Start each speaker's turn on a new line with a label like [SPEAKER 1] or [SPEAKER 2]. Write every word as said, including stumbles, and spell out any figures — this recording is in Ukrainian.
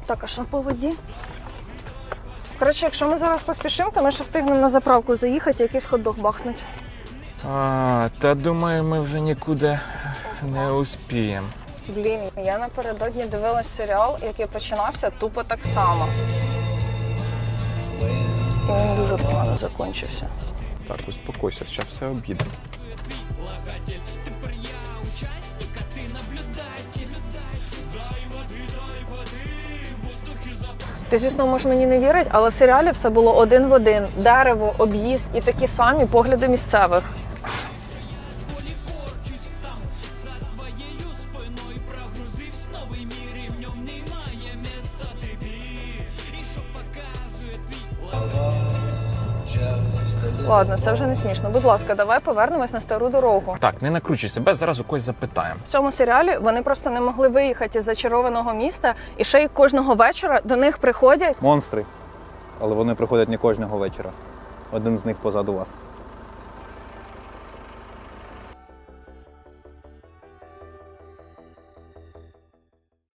[SPEAKER 1] Так, а що по воді? Коротше, якщо ми зараз поспішимо, то ми ще встигнемо на заправку заїхати і якийсь хот-дог бахнуть.
[SPEAKER 2] А, та думаю, ми вже нікуди не успіємо.
[SPEAKER 1] Блін, я напередодні дивилась серіал, який починався тупо так само. І він дуже погано закінчився.
[SPEAKER 2] Так, успокойся, зараз все об'їдемо.
[SPEAKER 1] Ти, звісно, можеш мені не вірити, але в серіалі все було один в один. Дерево, об'їзд і такі самі погляди місцевих. Ладно, це вже не смішно. Будь ласка, давай повернемось на стару дорогу.
[SPEAKER 2] Так, не накручуй себе, зараз у когось запитаємо.
[SPEAKER 1] В цьому серіалі вони просто не могли виїхати із зачарованого міста, і ще й кожного вечора до них приходять
[SPEAKER 3] Монстри. Але вони приходять не кожного вечора. Один з них позаду вас.